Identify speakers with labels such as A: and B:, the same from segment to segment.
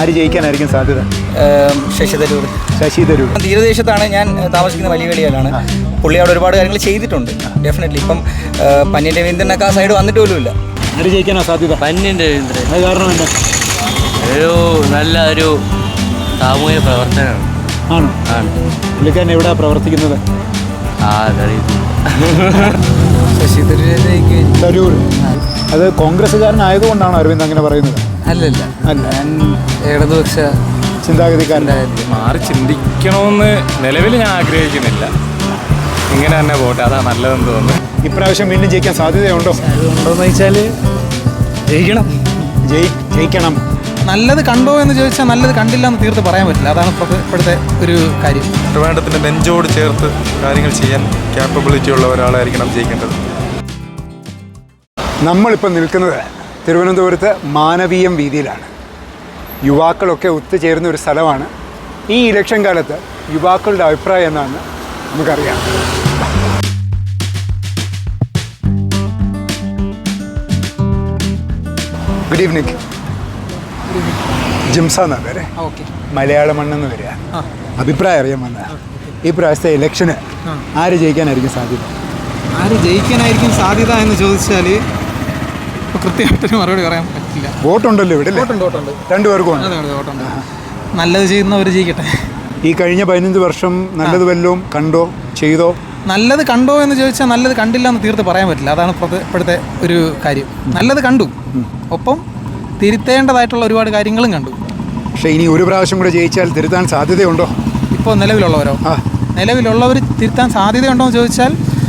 A: ആര് ജയിക്കാനായിരിക്കും സാധ്യത?
B: ശശി തരൂർ.
A: ശശി തരൂർ.
B: തീരദേശത്താണ് ഞാൻ താമസിക്കുന്ന വലിയ കളിയിലാണ്. പുള്ളി അവിടെ ഒരുപാട് കാര്യങ്ങൾ ചെയ്തിട്ടുണ്ട്. ഡെഫിനറ്റ്ലി ഇപ്പം പന്ന്യൻ രവീന്ദ്രനൊക്കെ ആ സൈഡ് വന്നിട്ട് പോലുമില്ല.
A: ആര് ജയിക്കാനാ സാധ്യത?
C: പന്ന്യൻ രവീന്ദ്രൻ.
A: അത് കാരണം എന്താ?
C: നല്ല ഒരു സാമൂഹ്യ പ്രവർത്തനമാണ്.
A: ആണോ? ആണ്. പുള്ളിക്കാരൻ എവിടെയാണ് പ്രവർത്തിക്കുന്നത്?
B: ശശി
A: തരൂർ. അത് കോൺഗ്രസ്സുകാരനായതുകൊണ്ടാണോ അരവിന്ദ് അങ്ങനെ പറയുന്നത്?
B: അല്ലല്ല, ഞാൻ ഇടതുപക്ഷ
A: ചിന്താഗതിക്കാരനായിരുന്നു.
D: മാറി ചിന്തിക്കണമെന്ന് നിലവിൽ ഞാൻ ആഗ്രഹിക്കുന്നില്ല. ഇങ്ങനെ തന്നെ പോട്ടെ, അതാണ് നല്ലതെന്ന് തോന്നുന്നു.
A: ഇപ്രാവശ്യം വീണ്ടും ജയിക്കാൻ സാധ്യതയുണ്ടോ?
B: ഉണ്ടോയെന്ന് വെച്ചാൽ
A: ജയിക്കണം.
B: നല്ലത് കണ്ടോ എന്ന് ചോദിച്ചാൽ നല്ലത് കണ്ടില്ല എന്ന് തീർത്ത് പറയാൻ പറ്റില്ല. അതാണ് ഇപ്പോഴത്തെ ഒരു കാര്യം.
D: ട്രിവാൻഡ്രത്തിൻ്റെ നെഞ്ചോട് ചേർത്ത് കാര്യങ്ങൾ ചെയ്യാൻ ക്യാപ്പബിലിറ്റി ഉള്ള ഒരാളായിരിക്കണം ജയിക്കേണ്ടത്.
A: നമ്മളിപ്പോൾ നിൽക്കുന്നത് തിരുവനന്തപുരത്ത് മാനവീയം വീതിയിലാണ്. യുവാക്കളൊക്കെ ഒത്തുചേരുന്ന ഒരു സ്ഥലമാണ്. ഈ ഇലക്ഷൻ കാലത്ത് യുവാക്കളുടെ അഭിപ്രായം എന്താണെന്ന് നമുക്കറിയാം. Good evening. ജിംസ എന്നാ പേര്. മലയാള മണ്ണെന്ന് വരിക. അഭിപ്രായം അറിയാൻ വന്ന ഈ പ്രാവശ്യത്തെ ഇലക്ഷന് ആര് ജയിക്കാനായിരിക്കും സാധ്യത?
B: ആര് ജയിക്കാനായിരിക്കും സാധ്യത എന്ന് ചോദിച്ചാൽ കൃത്യമായിട്ടൊരു മറുപടി പറയാൻ പറ്റില്ല.
A: വോട്ടുണ്ടല്ലോ ഇവിടെ?
B: വോട്ടുണ്ട്.
A: രണ്ടുപേർക്കും
B: വോട്ടുണ്ട്. നല്ലത് ചെയ്യുന്നവർ ജയിക്കട്ടെ.
A: ഈ കഴിഞ്ഞ 15 വർഷം നല്ലത് വല്ലതും കണ്ടോ, ചെയ്തോ?
B: നല്ലത് കണ്ടോ എന്ന് ചോദിച്ചാൽ നല്ലത് കണ്ടില്ല എന്ന് തീർത്ത് പറയാൻ പറ്റില്ല. അതാണ് ഇപ്പോഴത്തെ ഒരു കാര്യം. നല്ലത് കണ്ടു, ഒപ്പം തിരുത്തേണ്ടതായിട്ടുള്ള ഒരുപാട് കാര്യങ്ങളും കണ്ടു.
A: പക്ഷേ ഇനി ഒരു പ്രാവശ്യം കൂടെ ജയിച്ചാൽ തിരുത്താൻ സാധ്യതയുണ്ടോ?
B: ഇപ്പോൾ നിലവിലുള്ളവരോ? നിലവിലുള്ളവർ തിരുത്താൻ സാധ്യതയുണ്ടോ എന്ന് ചോദിച്ചാൽ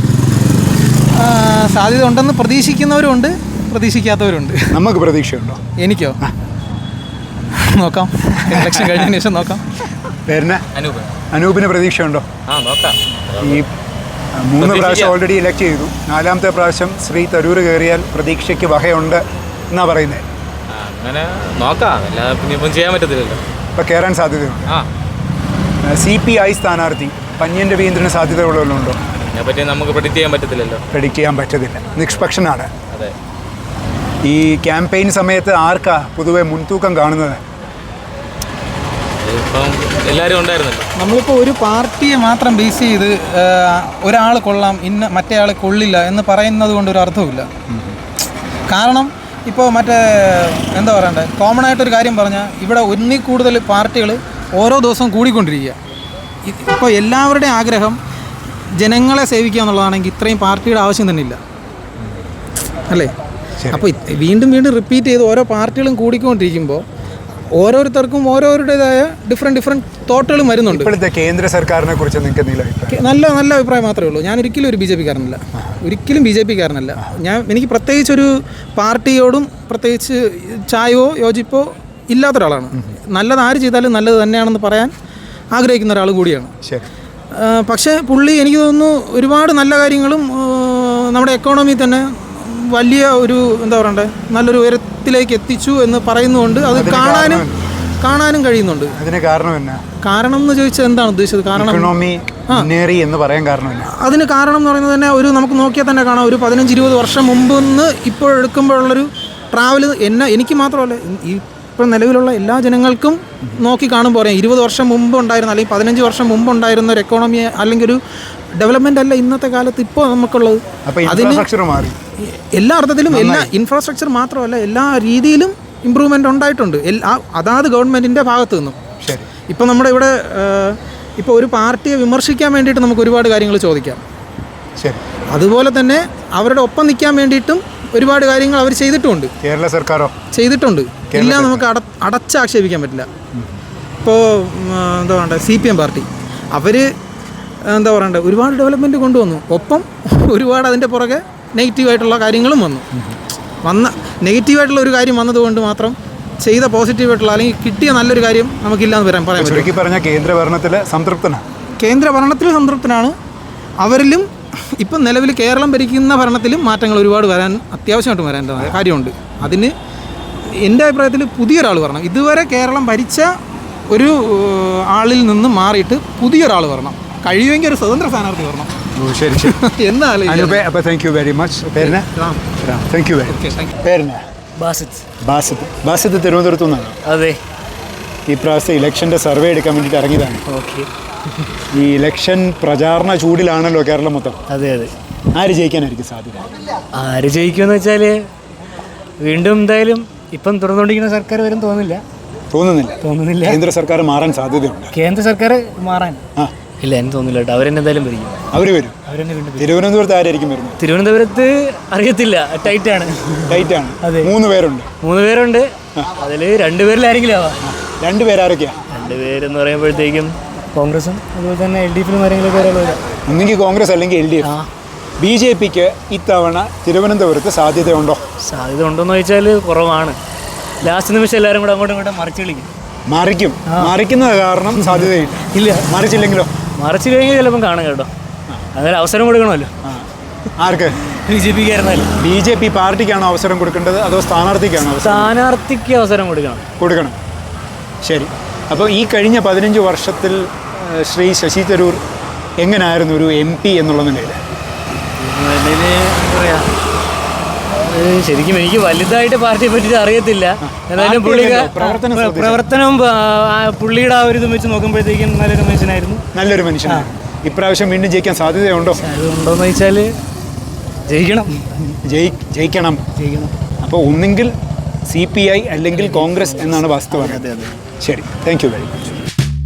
B: സാധ്യത ഉണ്ടെന്ന് പ്രതീക്ഷിക്കുന്നവരുണ്ട്, പ്രതീക്ഷിക്കാത്തവരുണ്ട്.
A: നമുക്ക് പ്രതീക്ഷയുണ്ടോ?
B: എനിക്കോ? നോക്കാം, ഇലക്ഷൻ കഴിഞ്ഞതിന് ശേഷം നോക്കാം.
A: പേരിന് അനൂപിന് പ്രതീക്ഷയുണ്ടോ? ഈ 3 പ്രാവശ്യം ഓൾറെഡി ഇലക്ട് ചെയ്തു. 4ാമത്തെ പ്രാവശ്യം ശ്രീ തരൂർ കയറിയാൽ പ്രതീക്ഷയ്ക്ക് വകയുണ്ട് എന്നാ പറയുന്നത്.
D: അങ്ങനെ നോക്കാം, ഇപ്പം ചെയ്യാൻ പറ്റത്തില്ലല്ലോ.
A: ഇപ്പം കയറാൻ സാധ്യതയുണ്ട്. CPI സ്ഥാനാർത്ഥി പന്ന്യൻ രവീന്ദ്രന് സാധ്യതയുള്ളവരുണ്ടോ?
D: അതിനെപ്പറ്റി നമുക്ക് പ്രെഡിക്റ്റ് ചെയ്യാൻ പറ്റത്തില്ലല്ലോ.
A: പ്രെഡിക്റ്റ് ചെയ്യാൻ പറ്റത്തില്ല. നിഷ്പക്ഷനാണ്.
D: അതെ.
A: ഈ ക്യാമ്പയിൻ സമയത്ത് ആർക്കാ പൊതുവെ മുൻതൂക്കം കാണുന്നത്?
D: ഇപ്പം എല്ലാവരും ഉണ്ടായിരുന്നല്ലോ.
B: നമ്മളിപ്പോൾ ഒരു പാർട്ടിയെ മാത്രം ബേസ് ചെയ്ത് ഒരാൾ കൊള്ളാം, മറ്റേ ആൾ കൊള്ളില്ല എന്ന് പറയുന്നത് കൊണ്ട് ഒരു അർത്ഥവുമില്ല. കാരണം ഇപ്പോൾ എന്താ പറയണ്ടേ, കോമൺ ആയിട്ടൊരു കാര്യം പറഞ്ഞാൽ ഇവിടെ ഒന്നിൽ കൂടുതൽ പാർട്ടികൾ ഓരോ ദിവസവും കൂടിക്കൊണ്ടിരിക്കുക. ഇപ്പോൾ എല്ലാവരുടെയും ആഗ്രഹം ജനങ്ങളെ സേവിക്കുക എന്നുള്ളതാണെങ്കിൽ ഇത്രയും പാർട്ടിയുടെ ആവശ്യം തന്നെ ഇല്ല, അല്ലേ? അപ്പോൾ വീണ്ടും വീണ്ടും റിപ്പീറ്റ് ചെയ്ത് ഓരോ പാർട്ടികളും കൂടിക്കൊണ്ടിരിക്കുമ്പോൾ ഓരോരുത്തർക്കും ഓരോരുടേതായ ഡിഫറെൻറ്റ് തോട്ടുകളും വരുന്നുണ്ട്.
A: ഇപ്പോഴത്തെ കേന്ദ്ര സർക്കാരിനെ കുറിച്ച് നിങ്ങൾക്ക്
B: നല്ല അഭിപ്രായം മാത്രമേ ഉള്ളൂ. ഞാൻ ഒരിക്കലും ഒരു BJP കാരനല്ല, ഒരിക്കലും BJP കാരനല്ല. എനിക്ക് പ്രത്യേകിച്ചൊരു പാർട്ടിയോടും പ്രത്യേകിച്ച് ചായവോ യോജിപ്പോ ഇല്ലാത്ത ഒരാളാണ്. നല്ലത് ആര് ചെയ്താലും നല്ലത് തന്നെയാണെന്ന് പറയാൻ ആഗ്രഹിക്കുന്ന ഒരാൾ കൂടിയാണ്. പക്ഷേ പുള്ളി എനിക്ക് തോന്നുന്നു ഒരുപാട് നല്ല കാര്യങ്ങളും നമ്മുടെ എക്കോണമി തന്നെ വലിയ ഒരു എന്താ പറയണ്ടേ നല്ലൊരു ഉയരത്തിലേക്ക് എത്തിച്ചു എന്ന് പറയുന്നുണ്ട്. അത് കാണാനും കഴിയുന്നുണ്ട്.
A: അതിന്
B: കാരണം എന്ന് ചോദിച്ചാൽ എന്താണ് ഉദ്ദേശിച്ചത്? അതിന് കാരണം എന്ന് പറയുന്നത് തന്നെ നമുക്ക് നോക്കിയാൽ തന്നെ കാണാം. ഒരു 15-20 വർഷം മുമ്പ് നിന്ന് ഇപ്പോൾ എടുക്കുമ്പോഴുള്ളൊരു ട്രാവൽ എനിക്ക് മാത്രമല്ല, ഇപ്പോൾ നിലവിലുള്ള എല്ലാ ജനങ്ങൾക്കും നോക്കി കാണുമ്പോൾ പറയാം 20 വർഷം മുമ്പ് ഉണ്ടായിരുന്ന അല്ലെങ്കിൽ 15 വർഷം മുമ്പ് ഉണ്ടായിരുന്ന ഒരു എക്കോണമി അല്ലെങ്കിൽ ഒരു ഡെവലപ്മെൻ്റ് അല്ല ഇന്നത്തെ കാലത്ത് ഇപ്പോൾ നമുക്കുള്ളത്. അതിന് എല്ലാ അർത്ഥത്തിലും എല്ലാ ഇൻഫ്രാസ്ട്രക്ചർ മാത്രമല്ല എല്ലാ രീതിയിലും ഇമ്പ്രൂവ്മെൻ്റ് ഉണ്ടായിട്ടുണ്ട് അതാത് ഗവൺമെൻറ്റിൻ്റെ ഭാഗത്തു നിന്നും. ഇപ്പോൾ നമ്മുടെ ഇവിടെ ഇപ്പോൾ ഒരു പാർട്ടിയെ വിമർശിക്കാൻ വേണ്ടിയിട്ട് നമുക്ക് ഒരുപാട് കാര്യങ്ങൾ ചോദിക്കാം. അതുപോലെ തന്നെ അവരുടെ ഒപ്പം നിൽക്കാൻ വേണ്ടിയിട്ടും ഒരുപാട് കാര്യങ്ങൾ അവർ ചെയ്തിട്ടുമുണ്ട്.
A: കേരള സർക്കാരോ
B: ചെയ്തിട്ടുണ്ട്. എല്ലാം നമുക്ക് അടച്ചാക്ഷേപിക്കാൻ പറ്റില്ല. ഇപ്പോൾ എന്താ പറയണ്ടേ, CPM പാർട്ടി അവർ എന്താ പറയണ്ടേ ഒരുപാട് ഡെവലപ്മെൻറ്റ് കൊണ്ടുവന്നു. ഒപ്പം ഒരുപാട് അതിൻ്റെ പുറകെ നെഗറ്റീവായിട്ടുള്ള കാര്യങ്ങളും വന്ന നെഗറ്റീവായിട്ടുള്ള ഒരു കാര്യം വന്നതുകൊണ്ട് മാത്രം ചെയ്ത പോസിറ്റീവായിട്ടുള്ള അല്ലെങ്കിൽ കിട്ടിയ നല്ലൊരു കാര്യം നമുക്കില്ലാന്ന് പറയാൻ പറ്റും.
A: പറഞ്ഞ കേന്ദ്ര
B: ഭരണത്തിൽ സംതൃപ്തനാണ്. അവരിലും ഇപ്പം നിലവിൽ കേരളം ഭരിക്കുന്ന ഭരണത്തിലും മാറ്റങ്ങൾ ഒരുപാട് അത്യാവശ്യമായിട്ട് വരേണ്ടതായ കാര്യമുണ്ട്. അതിന് എൻ്റെ അഭിപ്രായത്തിൽ പുതിയൊരാൾ വരണം. ഇതുവരെ കേരളം ഭരിച്ച ഒരു ആളിൽ നിന്ന് മാറിയിട്ട് പുതിയൊരാൾ വരണം. കഴിയുമെങ്കിൽ ഒരു സ്വതന്ത്ര സ്ഥാനാർത്ഥി വരണം.
A: ശരി അപ്പോൾ thank you very much. Thank you. Basith തിരുവനന്തപുരത്തു നിന്നാണ്.
C: അതെ.
A: ഈ പ്രാവശ്യത്തെ ഇലക്ഷൻ്റെ സർവേ എടുക്കാൻ വേണ്ടിയിട്ട് ഇറങ്ങിയതാണ്.
E: ഓക്കെ.
A: ഈ ഇലക്ഷൻ പ്രചാരണ ചൂടിലാണല്ലോ കേരളം മൊത്തം.
E: അതെ അതെ.
A: ആര് ജയിക്കാനായിരിക്കും സാധ്യത?
E: ആര് ജയിക്കുമെന്ന് വെച്ചാൽ വീണ്ടും എന്തായാലും ഇപ്പം തുറന്നുകൊണ്ടിരിക്കുന്ന സർക്കാർ വരും തോന്നുന്നില്ല.
A: കേന്ദ്ര സർക്കാർ മാറാൻ സാധ്യതയുണ്ട്.
E: കേന്ദ്ര സർക്കാർ മാറാൻ
A: ആ
E: ഇല്ല, എനിക്ക് തോന്നുന്നില്ല കേട്ടോ. അവരെന്തായാലും ഭരിക്കും.
A: അവർ വരും.
E: അവരെന്നെ വീണ്ടും ഭരിക്കും.
A: തിരുവനന്തപുരത്ത് ആരായിരിക്കും വരുന്നത്?
E: തിരുവനന്തപുരത്ത് അറിയത്തില്ല, ടൈറ്റാണ്. അതെ.
A: 3 പേരുണ്ട്.
E: 3 പേരുണ്ട്. അതിൽ 2 പേരിലാരെങ്കിലും ആവാം.
A: 2 പേരാരൊക്കെയാണ്?
E: 2 പേരെന്ന് പറയുമ്പോഴത്തേക്കും കോൺഗ്രസും അതുപോലെ തന്നെ LDFിലും ആരെങ്കിലും ഒരാൾ വരാം.
A: ഒന്നെങ്കിൽ കോൺഗ്രസ് അല്ലെങ്കിൽ LDF. BJPക്ക് ഇത്തവണ തിരുവനന്തപുരത്ത് സാധ്യതയുണ്ടോ?
E: സാധ്യത ഉണ്ടോയെന്ന് ചോദിച്ചാൽ കുറവാണ്. ലാസ്റ്റ് നിമിഷം എല്ലാവരും കൂടെ അങ്ങോട്ടും ഇങ്ങോട്ടും മറിച്ച് കളിക്കും.
A: മറിക്കുന്നത് കാരണം സാധ്യതയില്ല.
E: ഇല്ല,
A: മറിച്ചില്ലെങ്കിലോ?
E: മറിച്ച് കഴിഞ്ഞാൽ ചിലപ്പം കാണും കേട്ടോ. അതായത് അവസരം കൊടുക്കണമല്ലോ.
A: ആർക്ക്?
E: BJPക്ക് ആയിരുന്നാലും.
A: BJP പാർട്ടിക്കാണോ അവസരം കൊടുക്കേണ്ടത് അതോ സ്ഥാനാർത്ഥിക്കാണോ?
E: സ്ഥാനാർത്ഥിക്ക് അവസരം കൊടുക്കണം.
A: ശരി. അപ്പോൾ ഈ കഴിഞ്ഞ 15 വർഷത്തിൽ ശ്രീ ശശി തരൂർ എങ്ങനെയായിരുന്നു ഒരു MP എന്നുള്ള നിലയിൽ?
E: എന്താ പറയുക, ശരിക്കും എനിക്ക് വലുതായിട്ട് പാർട്ടിയെ പറ്റിയിട്ട് അറിയത്തില്ല. എന്നാലും പ്രവർത്തനം പുള്ളിയുടെ ആ ഒരു ഇത് വെച്ച് നോക്കുമ്പോഴത്തേക്കും നല്ലൊരു മനുഷ്യനായിരുന്നു.
A: ഇപ്രാവശ്യം വീണ്ടും ജയിക്കാൻ സാധ്യതയുണ്ടോ?
E: ഉണ്ടോയെന്ന് ചോദിച്ചാൽ
A: ജയിക്കണം. അപ്പോൾ ഒന്നെങ്കിൽ CPI അല്ലെങ്കിൽ കോൺഗ്രസ് എന്നാണ് വാസ്തവം. ശരി, താങ്ക് യു വെരി മച്ച്.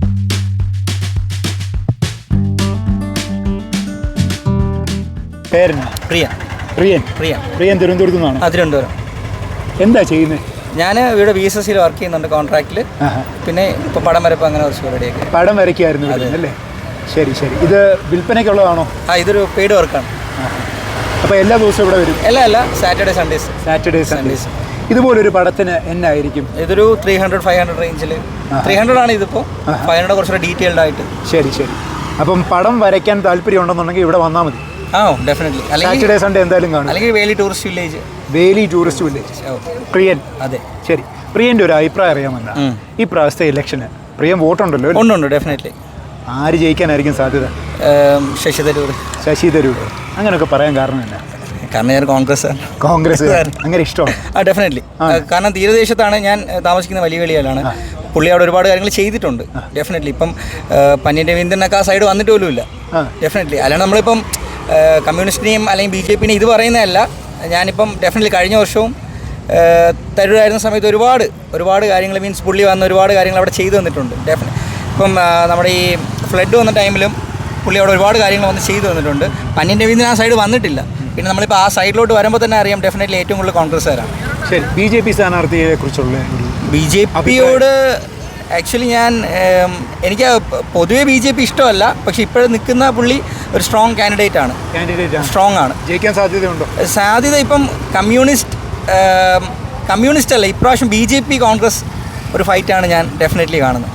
A: പേരെന്നാ? പ്രിയൻ തിരുവനന്തപുരത്ത് നിന്നാണ്.
F: തിരുവനന്തപുരം.
A: എന്താ ചെയ്യുന്നത്?
F: ഞാൻ ഇവിടെ VSSയിൽ വർക്ക് ചെയ്യുന്നുണ്ട് കോൺട്രാക്റ്റിൽ. പിന്നെ ഇപ്പോൾ പടം വരപ്പ് അങ്ങനെ കുറച്ച് പരിപാടിയൊക്കെ.
A: പടം വരയ്ക്കായിരുന്നു അല്ലേ? ശരി. ഇത് വിൽപ്പനയ്ക്കുള്ളതാണോ?
F: ഇതൊരു പെയ്ഡ് വർക്കാണ്.
A: അപ്പോൾ എല്ലാ ദിവസവും ഇവിടെ വരും?
F: അല്ല, സാറ്റർഡേ സൺഡേസ്.
A: ഇതുപോലൊരു പടത്തിന് എന്നായിരിക്കും?
F: ഇതൊരു 300-500 റേഞ്ചിൽ. 300 ആണ് ഇതിപ്പോൾ. 500 കുറച്ചുകൂടെ ഡീറ്റെയിൽഡ് ആയിട്ട്.
A: ശരി. അപ്പം പടം വരയ്ക്കാൻ താല്പര്യം ഉണ്ടെന്നുണ്ടെങ്കിൽ ഇവിടെ വന്നാൽ മതി.
F: ഡെഫിനറ്റ്ലി.
A: സാറ്റർഡേ സൺഡേ എന്തായാലും കാണും.
F: അല്ലെങ്കിൽ വേലി ടൂറിസ്റ്റ് വില്ലേജ്.
A: പ്രിയൻ.
F: അതെ.
A: ശരി. പ്രിയൻ്റെ ഒരു അഭിപ്രായം അറിയാമെന്നാ ഈ പ്രാവശ്യത്തെ ഇലക്ഷന് പ്രിയൻ വോട്ടുണ്ടല്ലോ?
F: ഉണ്ട്, ഡെഫിനറ്റ്ലി.
A: ആര് ജയിക്കാനായിരിക്കും സാധ്യത? ശശി തരൂർ. അങ്ങനെയൊക്കെ പറയാൻ കാരണം എന്നാ?
F: കാരണം ഞാൻ കോൺഗ്രസ്
A: അങ്ങനെ ഇഷ്ടമാണ്.
F: ഡെഫിനറ്റ്ലി. കാരണം തീരദേശത്താണ് ഞാൻ താമസിക്കുന്ന വലിയ വെളിയിലാണ്. പുള്ളി അവിടെ ഒരുപാട് കാര്യങ്ങൾ ചെയ്തിട്ടുണ്ട്. ഡെഫിനറ്റ്ലി. ഇപ്പം പന്ന്യൻ രവീന്ദ്രനൊക്കെ ആ സൈഡ് വന്നിട്ട് പോലുമില്ല. ഡെഫിനറ്റ്ലി. അല്ലാണ്ട് നമ്മളിപ്പം കമ്മ്യൂണിസ്റ്റിനെയും അല്ലെങ്കിൽ BJPനെയും ഇത് പറയുന്നതല്ല. ഞാനിപ്പം ഡെഫിനറ്റ്ലി കഴിഞ്ഞ വർഷവും തരൂരായിരുന്ന സമയത്ത് ഒരുപാട് കാര്യങ്ങൾ മീൻസ് പുള്ളി വന്ന ഒരുപാട് കാര്യങ്ങൾ അവിടെ ചെയ്തു തന്നിട്ടുണ്ട്. ഇപ്പം നമ്മുടെ ഈ ഫ്ലഡ് വന്ന ടൈമിലും പുള്ളി അവിടെ ഒരുപാട് കാര്യങ്ങൾ വന്ന് ചെയ്തു തന്നിട്ടുണ്ട്. പന്ന്യൻ രവീന്ദ്രൻ ആ സൈഡ് വന്നിട്ടില്ല. പിന്നെ നമ്മളിപ്പോൾ ആ സൈഡിലോട്ട് വരുമ്പോൾ തന്നെ അറിയാം ഡെഫിനറ്റ്ലി ഏറ്റവും കൂടുതൽ കോൺഗ്രസ്സുകാരാണ്.
A: ശരി. BJP സ്ഥാനാർത്ഥിയെ കുറിച്ചുള്ള
F: BJPയോട് ആക്ച്വലി എനിക്ക് പൊതുവേ BJP ഇഷ്ടമല്ല. പക്ഷേ ഇപ്പോഴും നിൽക്കുന്ന പുള്ളി ഒരു സ്ട്രോങ് കാൻഡിഡേറ്റ് ആണ്. സ്ട്രോങ് ആണ്.
A: ജയിക്കാൻ സാധ്യതയുണ്ടോ?
F: സാധ്യത ഇപ്പം കമ്മ്യൂണിസ്റ്റ് അല്ല, ഇപ്രാവശ്യം BJP കോൺഗ്രസ് ഒരു ഫൈറ്റാണ് ഞാൻ ഡെഫിനറ്റ്ലി കാണുന്നത്.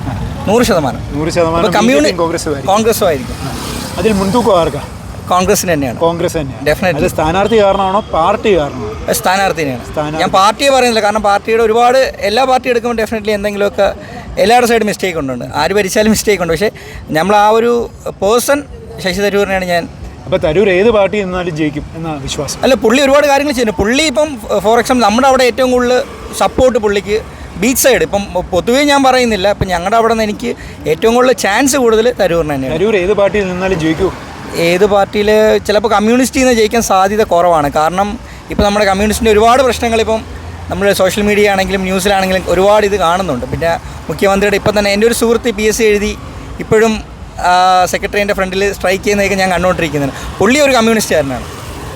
A: 100%
F: കോൺഗ്രസ്സും ആയിരിക്കും.
A: അതിൽ മുൻതൂക്കം ആർക്കാ?
F: കോൺഗ്രസിന് തന്നെയാണ്. ഡെഫിനറ്റ്ലി.
A: സ്ഥാനാർത്ഥി കാരണമാണോ പാർട്ടി കാരണമാണോ?
F: സ്ഥാനാർത്ഥിനെയാണ്. ഞാൻ പാർട്ടിയെ പറയുന്നില്ല. കാരണം പാർട്ടിയുടെ എല്ലാ പാർട്ടി എടുക്കുമ്പോൾ ഡെഫിനറ്റ്ലി എന്തെങ്കിലുമൊക്കെ എല്ലാവരുടെ സൈഡ് മിസ്റ്റേക്ക് ഉണ്ട്. ആര് ഭരിച്ചാലും മിസ്റ്റേക്ക് ഉണ്ട്. പക്ഷേ നമ്മൾ ആ ഒരു പേഴ്സൺ ശശി തരൂരിനെയാണ് ഞാൻ.
A: അപ്പോൾ തരൂർ ഏത് പാർട്ടി എന്നാലും ജയിക്കും എന്നാണ് വിശ്വാസം?
F: അല്ല, പുള്ളി ഒരുപാട് കാര്യങ്ങൾ ചെയ്യുന്നു. പുള്ളി ഇപ്പം ഫോർ എക്സാമ്പിൾ നമ്മുടെ അവിടെ ഏറ്റവും കൂടുതൽ സപ്പോർട്ട് പുള്ളിക്ക് ബീച്ച് സൈഡ്. ഇപ്പം പൊതുവേ ഞാൻ പറയുന്നില്ല, ഇപ്പം ഞങ്ങളുടെ അവിടെ നിന്ന് എനിക്ക് ഏറ്റവും കൂടുതൽ ചാൻസ് കൂടുതൽ തരൂരിന് തന്നെയാണ്.
A: തരൂർ ഏത് പാർട്ടിയിൽ നിന്നാലും ജയിക്കൂ?
F: ഏത് പാർട്ടിയിൽ ചിലപ്പോൾ കമ്മ്യൂണിസ്റ്റിൽ നിന്ന് ജയിക്കാൻ സാധ്യത കുറവാണ്. കാരണം ഇപ്പോൾ നമ്മുടെ കമ്മ്യൂണിസ്റ്റിൻ്റെ ഒരുപാട് പ്രശ്നങ്ങളിപ്പം നമ്മൾ സോഷ്യൽ മീഡിയ ആണെങ്കിലും ന്യൂസിലാണെങ്കിലും ഒരുപാട് ഇത് കാണുന്നുണ്ട്. പിന്നെ മുഖ്യമന്ത്രിയുടെ ഇപ്പം തന്നെ എൻ്റെ ഒരു സുഹൃത്ത് PSC എഴുതി ഇപ്പോഴും സെക്രട്ടറിയുടെ ഫ്രണ്ടിൽ സ്ട്രൈക്ക് ചെയ്യുന്നതൊക്കെ ഞാൻ കണ്ടുകൊണ്ടിരിക്കുന്നതാണ്. പുള്ളി ഒരു കമ്മ്യൂണിസ്റ്റുകാരനാണ്.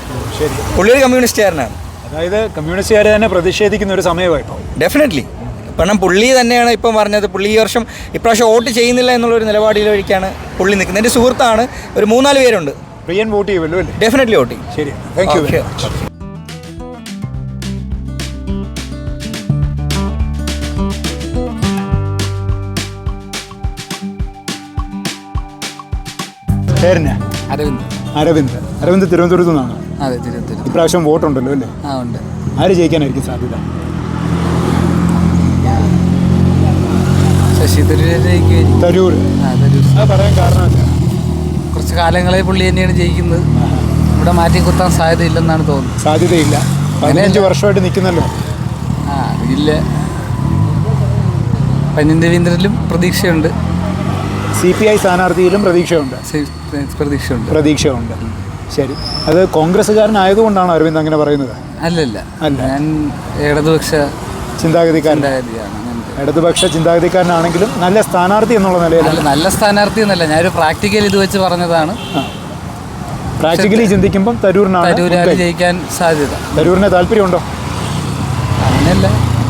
A: അതായത് കമ്മ്യൂണിസ്റ്റുകാർ തന്നെ പ്രതിഷേധിക്കുന്ന ഒരു സമയമായിപ്പോൾ.
F: ഡെഫിനറ്റ്ലി. കാരണം പുള്ളി തന്നെയാണ് ഇപ്പം പറഞ്ഞത് പുള്ളി ഇപ്രാവശ്യം വോട്ട് ചെയ്യുന്നില്ല എന്നുള്ളൊരു നിലപാടിലേക്കാണ് പുള്ളി നിൽക്കുന്നത്. എൻ്റെ സുഹൃത്താണ്. ഒരു 3-4 പേരുണ്ട്.
A: പ്രിയൻ വോട്ട് ചെയ്യുമല്ലോ അല്ലേ?
F: ഡെഫിനറ്റ്ലി വോട്ട് ചെയ്യും.
A: ശരി, താങ്ക് യു. പേരെന്നാ? അരവിന്ദ് തിരുവനന്തപുരത്ത് നിന്നാണ്.
G: അതെ, തിരുവനന്തപുരം.
A: ഇപ്രാവശ്യം വോട്ടുണ്ടല്ലോ അല്ലേ?
G: ഉണ്ട്.
A: ആര് ജയിക്കാനായിരിക്കും സാധ്യത?
G: ശശി തരൂർ.
A: പറയാൻ കാരണം
G: കുറച്ച് കാലങ്ങളെ പുള്ളി തന്നെയാണ് ജയിക്കുന്നത്. ഇവിടെ മാറ്റി കുത്താൻ സാധ്യതയില്ലെന്നാണ് തോന്നുന്നത്.
A: സാധ്യതയില്ല. 15 വർഷമായിട്ട് നിൽക്കുന്നല്ലോ.
G: അറിയില്ല. പന്ന്യൻ രവീന്ദ്രനിലും പ്രതീക്ഷയുണ്ട്.
A: CPI സ്ഥാനാർത്ഥിയിലും പ്രതീക്ഷയുണ്ട്. പ്രതീക്ഷയുണ്ട്. ശരി, അത് കോൺഗ്രസ്സുകാരനായതുകൊണ്ടാണ് അരവിന്ദ് അങ്ങനെ പറയുന്നത്?
G: അല്ല, ഞാൻ ഇടതുപക്ഷ
A: ചിന്താഗതിക്കാരനാണ്. ഇടതുപക്ഷ ചിന്താഗതിക്കാരനാണെങ്കിലും നല്ല സ്ഥാനാർത്ഥി എന്നുള്ള നിലയിൽ.
G: നല്ല സ്ഥാനാർത്ഥി എന്നല്ല, ഞാനൊരു പ്രാക്ടിക്കൽ ഇത് വെച്ച് പറഞ്ഞതാണ്.
A: പ്രാക്ടിക്കലി ചിന്തിക്കുമ്പം തരൂരിനാണ്
G: ജയിക്കാൻ സാധ്യത.
A: തരൂരിന് താല്പര്യമുണ്ടോ?
G: അങ്ങനെയല്ല,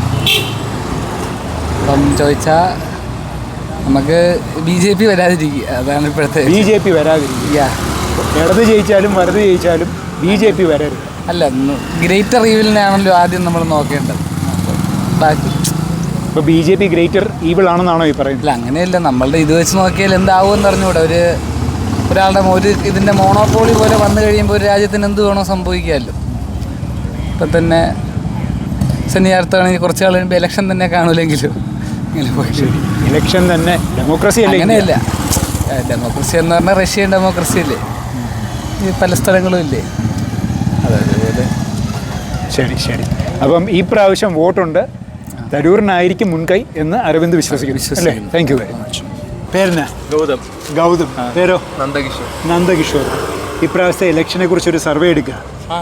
G: അപ്പം ചോദിച്ചാൽ നമുക്ക് BJP വരാതിരിക്കുക, അതാണ് ഇപ്പോഴത്തെ.
A: BJP വരാതിരിക്കുക. ഇടത് ജയിച്ചാലും വലത് ജയിച്ചാലും BJP വരരുത്.
G: അല്ല, ഗ്രേറ്റർ ഈവിലിനാണല്ലോ ആദ്യം നമ്മൾ നോക്കേണ്ടത്. ബാക്കി
A: ഇപ്പോൾ BJP ഗ്രേറ്റർ ഈവിൾ ആണെന്നാണോ ഈ പറയുന്നത്?
G: അല്ല, അങ്ങനെയല്ല. നമ്മളുടെ ഇത് വെച്ച് നോക്കിയാൽ എന്താവുമെന്ന് അറിഞ്ഞുകൂടെ. ഒരാളുടെ ഇതിൻ്റെ മോണോപോളി പോലെ വന്നു കഴിയുമ്പോൾ ഒരു രാജ്യത്തിന് എന്ത് വേണോ സംഭവിക്കാമല്ലോ. ഇപ്പം തന്നെ ശനിയാഴ്ചയാണെങ്കിൽ കുറച്ച് നാൾ കഴിയുമ്പോൾ ഇലക്ഷൻ തന്നെ കാണൂലെങ്കിലും ഇങ്ങനെ പോയി.
A: ഇലക്ഷൻ തന്നെ ഡെമോക്രസി അല്ലേ?
G: അങ്ങനെയല്ല, ഡെമോക്രസി എന്ന് പറഞ്ഞാൽ റഷ്യൻ ഡെമോക്രസി അല്ലേ, ഈ പല സ്ഥലങ്ങളും ഇല്ലേ, അതേപോലെ.
A: ശരി. അപ്പം ഈ പ്രാവശ്യം വോട്ടുണ്ട്, തരൂരിനായിരിക്കും മുൻകൈ എന്ന് അരവിന്ദ് വിശ്വസിക്കുന്നു. Thank you very much. പേരെന്നാ? ഗൗതം. പേരോ? നന്ദകിഷോർ. ഇപ്രാവശ്യത്തെ ഇലക്ഷനെ കുറിച്ചൊരു സർവേ എടുക്കുക.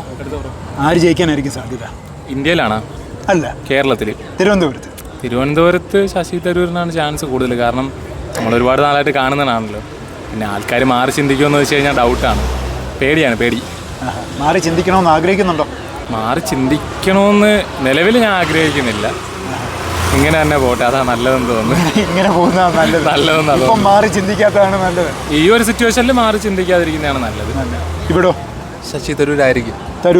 A: ആര് ജയിക്കാനായിരിക്കും സാധ്യത?
D: ഇന്ത്യയിലാണോ?
A: അല്ല,
D: കേരളത്തിൽ. തിരുവനന്തപുരത്ത് ശശി തരൂരിനാണ് ചാൻസ് കൂടുതൽ. കാരണം നമ്മൾ ഒരുപാട് നാളായിട്ട് കാണുന്നതാണല്ലോ. പിന്നെ ആൾക്കാർ മാറി ചിന്തിക്കുമെന്ന് വെച്ച് കഴിഞ്ഞാൽ ഡൗട്ടാണ്. പേടി.
A: മാറി ചിന്തിക്കണമെന്ന് ആഗ്രഹിക്കുന്നുണ്ടോ?
D: മാറി ചിന്തിക്കണമെന്ന് നിലവിൽ ഞാൻ ആഗ്രഹിക്കുന്നില്ല. ഇങ്ങനെ തന്നെ പോട്ടെ, അതാ നല്ലതെന്ന് തോന്നുന്നു.
A: ഇങ്ങനെ പോകുന്നതാണ് നല്ലതെന്ന്. മാറി ചിന്തിക്കാത്തതാണ് നല്ലത്.
D: ഈ ഒരു സിറ്റുവേഷനിൽ മാറി ചിന്തിക്കാതിരിക്കുന്നതാണ് നല്ലത്.
A: ഇവിടോ?
H: ശശി തരൂരായിരിക്കും.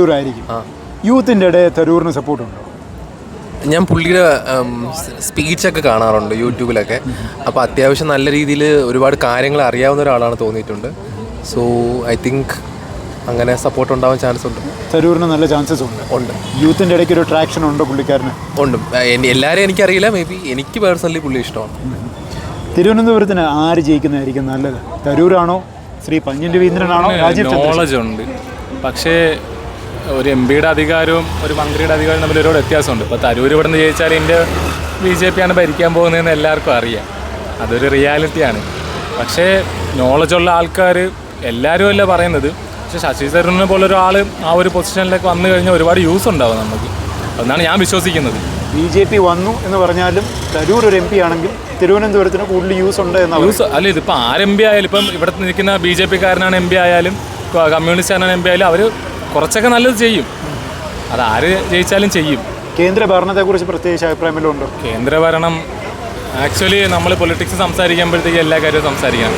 A: യൂത്തിൻ്റെ ഇടയിൽ തരൂറിന് സപ്പോർട്ടുണ്ടോ?
H: ഞാൻ പുള്ളിയുടെ സ്പീച്ചൊക്കെ കാണാറുണ്ട് യൂട്യൂബിലൊക്കെ. അപ്പോൾ അത്യാവശ്യം നല്ല രീതിയിൽ ഒരുപാട് കാര്യങ്ങൾ അറിയാവുന്ന ഒരാളാണ് തോന്നിയിട്ടുണ്ട്. സോ ഐ തിങ്ക് അങ്ങനെ സപ്പോർട്ട് ഉണ്ടാവാൻ ചാൻസ് ഉണ്ട്.
A: തരൂരിന് നല്ല ചാൻസസ് ഉണ്ട്. യൂത്തിൻ്റെ ഇടയ്ക്ക് ഒരു ട്രാക്ഷൻ ഉണ്ടോ പുള്ളിക്കാരന്?
H: ഉണ്ട്. എല്ലാവരെയും എനിക്കറിയില്ല, മേ ബി എനിക്ക് പേഴ്സണലി പുള്ളി ഇഷ്ടമാണ്.
A: തിരുവനന്തപുരത്തിന് ആര് ജയിക്കുന്നതായിരിക്കും നല്ലത്? തരൂരാണോ, ശ്രീ പന്ന്യൻ രവീന്ദ്രനാണോ?
D: നോളജ് ഉണ്ട്, പക്ഷേ ഒരു MP-യുടെ അധികാരവും ഒരു മന്ത്രിയുടെ അധികാരവും തമ്മിൽ ഒരുപാട് വ്യത്യാസമുണ്ട്. ഇപ്പോൾ തരൂർ ഇവിടെ നിന്ന് ജയിച്ചാൽ ഇന്ത്യ BJP ആണ് ഭരിക്കാൻ പോകുന്നതെന്ന് എല്ലാവർക്കും അറിയാം. അതൊരു റിയാലിറ്റിയാണ്. പക്ഷേ നോളജുള്ള ആൾക്കാർ എല്ലാവരും അല്ല പറയുന്നത്. പക്ഷേ ശശി തരൂരിനെ പോലൊരാൾ ആ ഒരു പൊസിഷനിലേക്ക് വന്നു കഴിഞ്ഞാൽ ഒരുപാട് യൂസ് ഉണ്ടാവും നമുക്ക്. എന്നാണ് ഞാൻ വിശ്വസിക്കുന്നത്.
A: BJP വന്നു എന്ന് പറഞ്ഞാലും തരൂർ ഒരു MP ആണെങ്കിൽ തിരുവനന്തപുരത്തിന് കൂടുതൽ യൂസ് ഉണ്ട് എന്നാണ്.
D: യൂസ് അല്ല, ഇതിപ്പോൾ ആര് MP ആയാലും, ഇപ്പം ഇവിടെ നിൽക്കുന്ന BJP-കാരനാണ് MP ആയാലും കമ്മ്യൂണിസ്റ്റുകാരനാണ് MP ആയാലും അവർ കുറച്ചൊക്കെ നല്ലത് ചെയ്യും. അതാര് ജയിച്ചാലും ചെയ്യും.
A: കേന്ദ്ര ഭരണത്തെക്കുറിച്ച് പ്രത്യേകിച്ച് അഭിപ്രായമല്ലോ ഉണ്ടോ?
D: കേന്ദ്ര ഭരണം ആക്ച്വലി നമ്മൾ പൊളിറ്റിക്സ് സംസാരിക്കുമ്പോഴത്തേക്ക് എല്ലാ കാര്യവും സംസാരിക്കണം.